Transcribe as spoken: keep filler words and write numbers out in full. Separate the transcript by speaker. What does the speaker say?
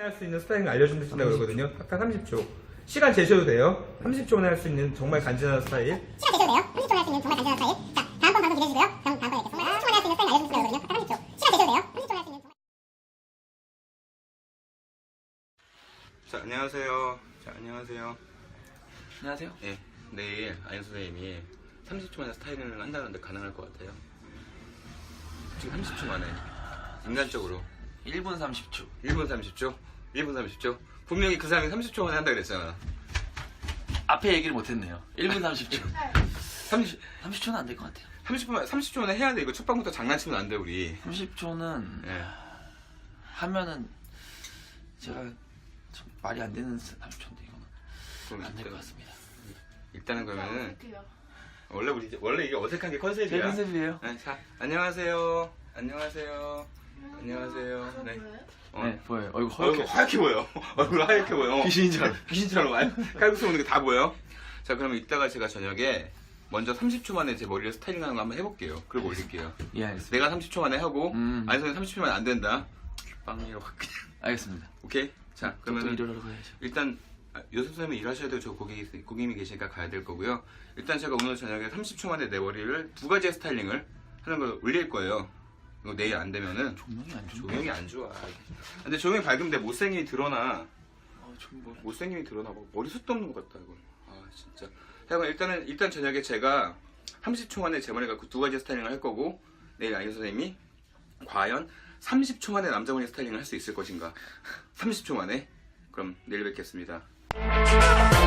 Speaker 1: 할 수 있는 스타일링 알려준다고 그러거든요. 딱 삼십 초. 시간 재셔도 돼요. 삼십 초 만에 할 수 있는 정말 간지나는 스타일.
Speaker 2: 시간 되셔도 돼요. 삼십 초 만에 할 수 있는 정말 간단한 스타일. 자, 다음번 방송 기대해주세요. 다음, 다음번에 뵙겠습니다. 삼십 초 만에 할 수 있는 스타일 알려주신다고 그러거든요. 딱 삼십 초. 시간 되셔도 돼요. 삼십 초 만에 할 수 있는 정말.
Speaker 3: 자, 안녕하세요. 자, 안녕하세요.
Speaker 4: 안녕하세요.
Speaker 3: 예, 내일 아연 선생님이 삼십 초 만에 스타일링을 한다는데 가능할 것 같아요? 지금 삼십 초 만에. 인간적으로.
Speaker 4: 일 분 삼십 초.
Speaker 3: 일 분 삼십 초? 일 분 삼십 초? 분명히 그 사람이 삼십 초 만에 한다 그랬잖아.
Speaker 4: 앞에 얘기를 못했네요. 일 분 삼십 초.
Speaker 3: 삼십,
Speaker 4: 삼십 초는 안 될 것 같아요.
Speaker 3: 삼십 분, 삼십 초 만에 해야 돼. 이거 첫 방부터 장난치면 안 돼, 우리.
Speaker 4: 삼십 초는
Speaker 3: 예.
Speaker 4: 하면은 제가 좀 말이 안 되는 삼십 초인데 이거는
Speaker 3: 그럼
Speaker 4: 안 될 것
Speaker 3: 일단-
Speaker 4: 같습니다.
Speaker 3: 일단은 그러면은 원래 우리 이제- 원래 이게 어색한 게 컨셉이야.
Speaker 4: 제 컨셉이에요.
Speaker 3: 네, 자, 안녕하세요. 안녕하세요. 안녕하세요. 네. 어.
Speaker 4: 네, 보여요. 얼굴
Speaker 3: 얼굴
Speaker 4: 허옇게.
Speaker 3: 하얗게 보여. 얼굴 하얗게 보여.
Speaker 4: 귀신인 줄 알아.
Speaker 3: 귀신처럼 와요. 칼국수 먹는 게 다 보여. 자, 그러면 이따가 제가 저녁에 먼저 삼십 초 만에 제 머리를 스타일링하는 거 한번 해볼게요. 그리고 올릴게요.
Speaker 4: 예, 알겠습니다.
Speaker 3: 내가 삼십 초 만에 하고
Speaker 4: 음.
Speaker 3: 아니 선생님 삼십 초 만에 안 된다. 빵이로 확 그냥.
Speaker 4: 알겠습니다.
Speaker 3: 오케이. 자,
Speaker 4: 그러면
Speaker 3: 그러면
Speaker 4: 일하러 가야죠.
Speaker 3: 일단 아, 요셉 선생님이 일하셔야 되고 저 고객이, 고객님이 계시니까 가야 될 거고요. 일단 제가 오늘 저녁에 삼십 초 만에 내 머리를 두 가지의 스타일링을 하는 걸 올릴 거예요. 이거 내일 안 되면은
Speaker 4: 조명이 안 좋네.
Speaker 3: 조명이 안 좋아. 근데 조명이 밝으면 내 못생김이 드러나.
Speaker 4: 어, 좀 뭐.
Speaker 3: 못생김이 드러나. 뭐 머리숱도 없는 것 같다 이건. 아 진짜. 자, 그럼 일단은 일단 저녁에 제가 삼십 초 만에 제 머리가 그 두 가지 스타일링을 할 거고 내일 아이유 선생님이 과연 삼십 초 만에 남자 머리 스타일링을 할 수 있을 것인가? 삼십 초 만에. 그럼 내일 뵙겠습니다.